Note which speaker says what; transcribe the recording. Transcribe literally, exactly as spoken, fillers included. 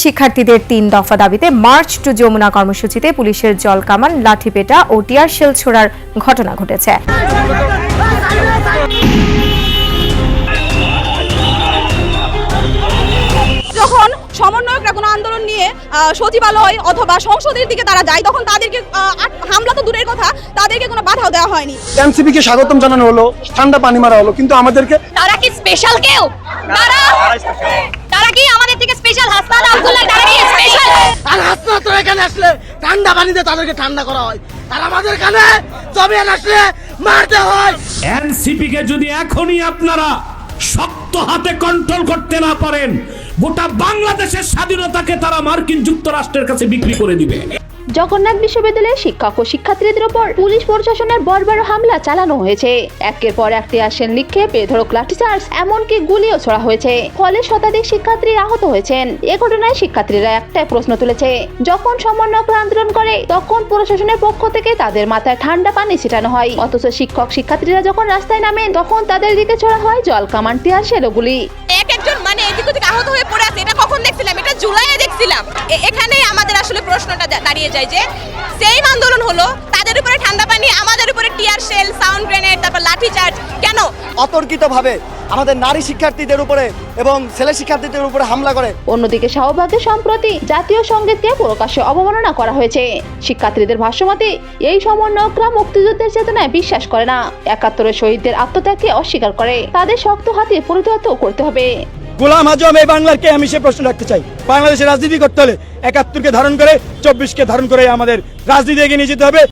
Speaker 1: শিক্ষার্থীদের তিন দফা দাবিতে মার্চ টু যমুনা কর্মসূচিতে পুলিশের জলকামান, লাঠিপেটা ও টিয়ার শেল ছোড়ার ঘটনা ঘটেছে।
Speaker 2: যখন সমন্বয়করা কোনো আন্দোলন নিয়ে সচিবালয় অথবা সংসদের দিকে তারা যায়, তখন তাদেরকে হামলা তো দূরের কথা, তাদেরকে কোনো বাধাও দেওয়া হয়নি।
Speaker 3: এনসিপি কে স্বাগতম জানানো হলো, ঠান্ডা পানি মারা হলো, কিন্তু আমাদেরকে
Speaker 2: তারা কি স্পেশাল কেউ? তারা তারা কি আমাদের থেকে স্পেশাল? হাসনাত আব্দুল্লাহ তারা কি স্পেশাল?
Speaker 4: আর হাসনাত তো এখানে আসলে ঠান্ডা পানিতে তাদেরকে ঠান্ডা করা হয়, আর আমাদের কানে জমিয়ান আসলে মারতে হয়।
Speaker 5: এনসিপি কে যদি এখনই আপনারা শক্ত হাতে কন্ট্রোল করতে না পারেন, গোটা বাংলাদেশের স্বাধীনতাকে তারা মার্কিন যুক্তরাষ্ট্রের কাছে বিক্রি করে দিবে।
Speaker 6: জগন্নাথ বিশ্ববিদ্যালয়ের শিক্ষক ও শিক্ষার্থীদের উপর পুলিশ প্রশাসনের বর্বর হামলা চালানো হয়েছে। একের পর এক টিয়ারশেল নিক্ষেপ, বেধড়ক লাঠিচার্জ, এমনকি গুলিও ছোড়া হয়েছে। ফলে শতাধিক শিক্ষার্থী আহত হয়েছেন। এ ঘটনায় শিক্ষার্থীরা একটাই প্রশ্ন তুলেছে, যখন সমন্বয়করা আন্দোলন করে তখন প্রশাসনের পক্ষ থেকে তাদের মাথায় ঠান্ডা পানি ছিটানো হয়, অথচ শিক্ষক শিক্ষার্থীরা যখন রাস্তায় নামেন তখন তাদের দিকে ছোড়া হয় জল কামান, টিয়ারশেল ও গুলি।
Speaker 2: এক একজন মানে এদিক ওদিক আহত হয়ে পড়ে আছে। এটা কখন দেখছিলাম? এটা জুলাইয়ে দেখছিলাম। এখানেই আমাদের আসলে প্রশ্নটা দাঁড়িয়ে যায় যে সেম আন্দোলন হলো, তাদের উপরে ঠান্ডা পানি, আমাদের উপরে টিয়ার শেল, সাউন্ড গ্রেনেড, তারপর লাঠি চার্জ। কেন
Speaker 4: অতর্কিতভাবে আমাদের নারী শিক্ষার্থীদের উপরে এবং ছেলে শিক্ষার্থীদের উপরে হামলা করে?
Speaker 6: অন্যদিকে শাহবাগে সম্প্রতি জাতীয় সঙ্গীতকে প্রকাশ্যে অবমাননা করা হয়েছে। শিক্ষার্থীদের ভাষ্যমতে এই সমন্বয়করা মুক্তিযুদ্ধের চেতনায় বিশ্বাস করে না, একাত্তরের শহীদদের আত্মত্যাগকে অস্বীকার করে। তাদের শক্ত হাতে পরিণত করতে হবে।
Speaker 3: গোলাম আজম এই বাংলার কে, আমি সে প্রশ্ন রাখতে চাই। বাংলাদেশের রাজনীতি করতে হলে একাত্তরকে ধারণ করে, চব্বিশকে ধারণ করে আমাদের রাজনীতি এগিয়ে নিয়ে যেতে হবে।